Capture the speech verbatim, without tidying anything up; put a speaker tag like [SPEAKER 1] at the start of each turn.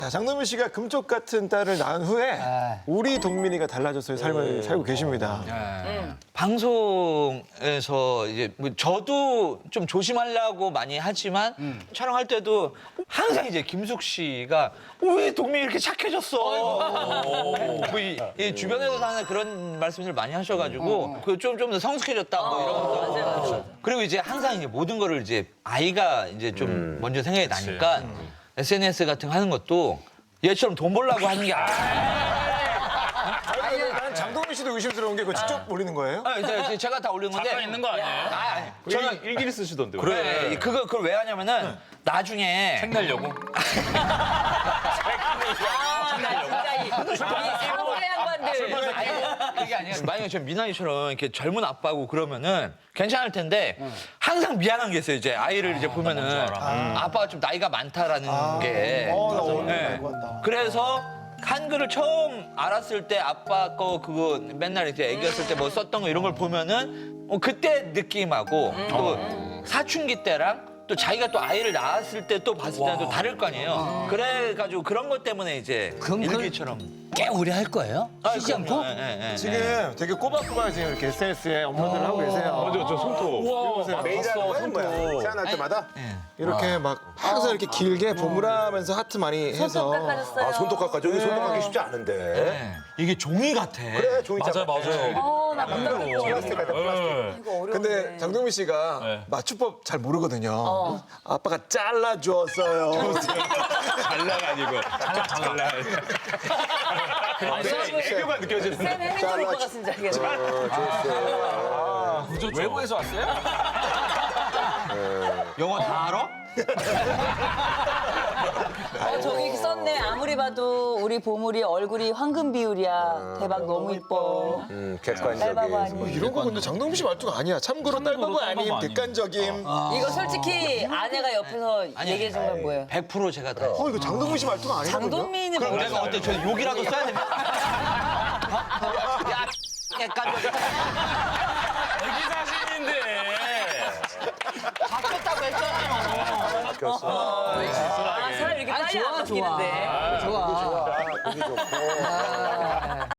[SPEAKER 1] 자, 장동민 씨가 금쪽 같은 딸을 낳은 후에 우리 동민이가 달라져서의 삶을 살고 계십니다.
[SPEAKER 2] 방송에서 이제 뭐 저도 좀 조심하려고 많이 하지만 촬영할 때도 항상 이제 김숙 씨가 어, 왜 동민이 이렇게 착해졌어? 뭐 이, 이 주변에서 하는 그런 말씀들 많이 하셔가지고 그 좀 좀 더 성숙해졌다 뭐 이런 것도
[SPEAKER 3] 맞아요, 맞아요.
[SPEAKER 2] 그리고 이제 항상 이제 모든 거를 이제 아이가 이제 좀 먼저 생각이 나니까 에스엔에스 같은 거 하는 것도 얘처럼 돈 벌려고 하는 게 아니야.
[SPEAKER 1] 아니, 난 장동민 씨도 의심스러운 게 그거 직접 올리는 거예요?
[SPEAKER 2] 아, 이제 제가 다 올린 건데.
[SPEAKER 4] 잠깐 있는 거 아니에요?
[SPEAKER 2] 아, 아니.
[SPEAKER 4] 저는 일기를 쓰시던데.
[SPEAKER 2] 그래. 그거 그걸 왜 하냐면은 나중에
[SPEAKER 4] 책 내려고.
[SPEAKER 3] 아, 나 진짜 이, 이 상대 양반들.
[SPEAKER 2] 아니, 그게 아니라 만약에 저 미나이처럼 이렇게 젊은 아빠고 그러면은 괜찮을 텐데 항상 미안한 게 있어요. 이제 아이를 이제 보면은 아빠가 좀 나이가 많다라는 게.
[SPEAKER 1] 어, 나 오늘
[SPEAKER 2] 네.
[SPEAKER 1] 알고 한다.
[SPEAKER 2] 그래서 한글을 처음 알았을 때 아빠 거 그거 맨날 이제 애기였을 때 뭐 썼던 거 이런 걸 보면은 어, 그때 느낌하고 또 사춘기 때랑 또 자기가 또 아이를 낳았을 때 또 봤을 때는 또 다를 거 아니에요. 그래가지고 그런 것 때문에 이제 일기처럼
[SPEAKER 5] 꽤 오래 할 거예요? 쉬지 않고?
[SPEAKER 2] 예, 예, 예.
[SPEAKER 1] 지금 되게 꼬박꼬박 지금 이렇게 에스엔에스에 업로드를 하고 계세요.
[SPEAKER 4] 맞아, 저 손톱.
[SPEAKER 1] 보세요.
[SPEAKER 6] 매일 하는 거야? 뭐야? 태어날 때마다?
[SPEAKER 1] 이렇게 막 항상 이렇게 길게 보물하면서 하트 많이 해서.
[SPEAKER 3] 손톱 깎아줬어요.
[SPEAKER 6] 아, 손톱 깎아. 저기 손톱 깎기 쉽지 않은데.
[SPEAKER 2] 네. 이게 종이 같아.
[SPEAKER 6] 그래, 종이
[SPEAKER 4] 맞아요, 맞아요.
[SPEAKER 3] 어, 나 못하겠어.
[SPEAKER 6] 플라스틱 같아, 플라스틱.
[SPEAKER 3] 이거 어려운데.
[SPEAKER 1] 근데 장동민 씨가
[SPEAKER 4] 네.
[SPEAKER 1] 맞춤법 잘 모르거든요. 아빠가 잘라주었어요.
[SPEAKER 4] 잘라가 아니고. 잘라. 애교가 느껴지는.
[SPEAKER 3] 쌤 해밍턴 오빠 같은 자기가.
[SPEAKER 2] 외국에서 왔어요? 영어 다 알아?
[SPEAKER 3] 어, 저기 썼네. 아무리 봐도 우리 보물이 얼굴이 황금 비율이야. 대박 너무 이뻐.
[SPEAKER 6] 음,
[SPEAKER 3] 딸바보
[SPEAKER 6] 객관적인.
[SPEAKER 3] 아니야.
[SPEAKER 1] 이런 거 근데 장동민 씨 말투가 아니야. 참고로 딸바보 아님,
[SPEAKER 4] 딸바보 아님.
[SPEAKER 1] 객관적임. 어,
[SPEAKER 3] 이거 솔직히 아내가 옆에서 얘기해 준 건 뭐예요?
[SPEAKER 2] 백 퍼센트 제가 다.
[SPEAKER 1] 이거 장동민 씨 말투가 아니거든요.
[SPEAKER 3] 장동민이
[SPEAKER 2] 그럼
[SPEAKER 3] 뭐라
[SPEAKER 2] 내가 어때? 저 욕이라도 써야 됩니까? 야, 약간
[SPEAKER 4] 애기 사진인데.
[SPEAKER 2] 바뀌었다고 했잖아요.
[SPEAKER 3] 아, 사람 이렇게 빨리 안 바뀌는데.
[SPEAKER 5] 좋아.
[SPEAKER 6] 보기 좋고.